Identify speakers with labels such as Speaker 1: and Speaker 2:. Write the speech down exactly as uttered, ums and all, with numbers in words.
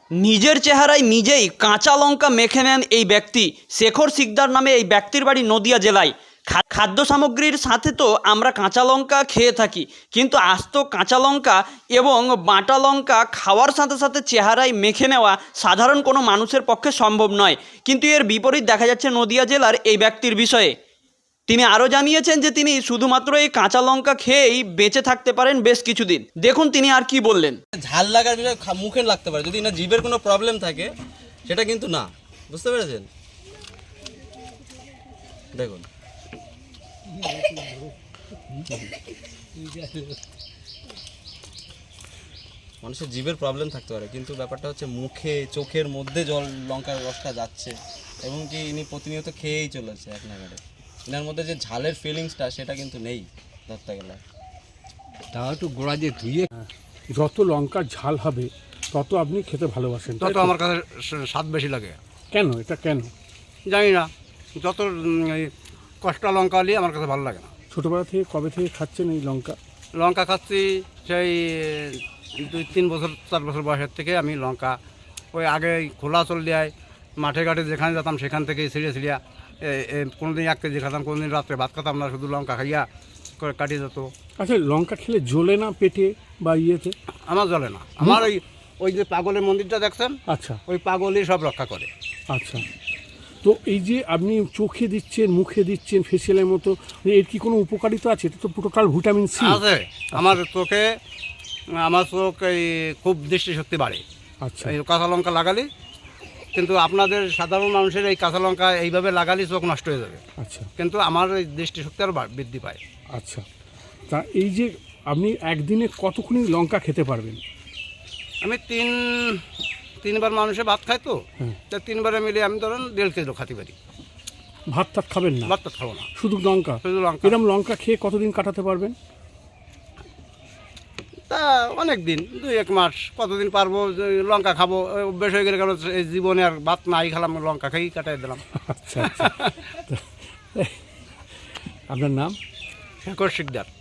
Speaker 1: নিজের চেহারায় নিজেই কাঁচা লঙ্কা মেখে নেন এই ব্যক্তি। শেখর শিকদার নামে এই ব্যক্তির বাড়ি নদিয়া জেলায়। খাদ্য সামগ্রীর সাথে তো আমরা কাঁচা লঙ্কা খেয়ে থাকি, কিন্তু আস্ত কাঁচা লঙ্কা এবং বাটা লঙ্কা খাওয়ার সাথে সাথে চেহারায় মেখে নেওয়া সাধারণ কোনো মানুষের পক্ষে সম্ভব নয়। কিন্তু এর বিপরীত দেখা যাচ্ছে নদিয়া জেলার এই ব্যক্তির বিষয়ে। তিনি আরও জানিয়েছেন যে তিনি শুধুমাত্র এই কাঁচা লঙ্কা খেয়েই বেঁচে থাকতে পারেন বেশ কিছুদিন। দেখুন তিনি আর কি বললেন।
Speaker 2: ঝাল লাগার বিষয় মুখে লাগতে পারে, যদি না জিভের কোনো প্রবলেম থাকে সেটা কিন্তু না, বুঝতে পেরেছেন? দেখুন মানুষের জিভের প্রবলেম থাকতে পারে, কিন্তু ব্যাপারটা হচ্ছে মুখে চোখের মধ্যে জল লঙ্কার রসটা যাচ্ছে এবং কি ইনি প্রতিনিয়ত খেয়েই চলেছে এক নাগারে। এনার মধ্যে যে ঝালের ফিলিংসটা সেটা কিন্তু নেই ধরতে গেলে।
Speaker 3: তা একটু গোড়া দিয়ে ধুয়ে,
Speaker 4: যত লঙ্কার ঝাল হবে তত আপনি খেতে ভালোবাসেন,
Speaker 3: তত আমার কাছে স্বাদ বেশি লাগে।
Speaker 4: কেন? এটা কেন
Speaker 3: জানি না, যত কষ্টা লঙ্কা হলে আমার কাছে ভালো লাগে না।
Speaker 4: ছোটোবেলা থেকে কবে থেকে খাচ্ছেন এই লঙ্কা?
Speaker 3: লঙ্কা খাচ্ছি সেই দুই তিন বছর চার বছর বয়সের থেকে আমি লঙ্কা ওই আগে খোলা চল দেয় মাঠে ঘাটে যেখানে যেতাম সেখান থেকে ছিঁড়ে ছিঁড়িয়া কোনো দিন এক কেজি খেতাম, কোনো দিন রাত্রে ভাত খেতাম না, শুধু লঙ্কা খাইয়া করে কাটিয়ে যেত।
Speaker 4: আচ্ছা, লঙ্কা খেলে জ্বলে না পেটে বা ইয়েতে?
Speaker 3: আমার জ্বলে না, আমার ওই ওই যে পাগলের মন্দিরটা দেখছেন,
Speaker 4: আচ্ছা,
Speaker 3: ওই পাগলই সব রক্ষা করে।
Speaker 4: আচ্ছা। তো এই যে আপনি চোখে দিচ্ছেন, মুখে দিচ্ছেন ফেসিয়ালের মতো, এর কি কোনো উপকারিতা আছে? এটা তো টোটাল ভিটামিন সি
Speaker 3: আছে। আমার চোখে আমার চোখ এই খুব দৃষ্টিশক্তি বাড়ে।
Speaker 4: আচ্ছা,
Speaker 3: এই কাঁচা লঙ্কা লাগালি, কিন্তু আপনাদের সাধারণ মানুষের এই কাঁচা লঙ্কা এইভাবে লাগালে চোখ নষ্ট হয়ে যাবে,
Speaker 4: আচ্ছা,
Speaker 3: কিন্তু আমার এই দৃষ্টিশক্তি আরও বৃদ্ধি পায়।
Speaker 4: আচ্ছা। তা এই যে আপনি একদিনে কতক্ষণ লঙ্কা খেতে পারবেন?
Speaker 3: আমি তিন তিনবার মানুষে ভাত খাই তো,
Speaker 4: হুম।
Speaker 3: তা তিনবারে মিলে আমি ধরুন দেড় কেজি খাতে পারি।
Speaker 4: ভাত টাত খাবেন না?
Speaker 3: ভাত তো খাবো না,
Speaker 4: শুধু লঙ্কা?
Speaker 3: শুধু লঙ্কা।
Speaker 4: এরকম লঙ্কা খেয়ে কতদিন কাটাতে পারবেন?
Speaker 3: তা অনেক দিন, দুই এক মাস, কতদিন পারবো। যে লঙ্কা খাবো অভ্যেস হয়ে গেলে, কারণ এই জীবনে আর ভাত নাই খেলাম, লঙ্কা খেয়েই কাটাই দিলাম।
Speaker 4: আচ্ছা, আচ্ছা। আপনার নাম?
Speaker 3: শেখর শিকদার।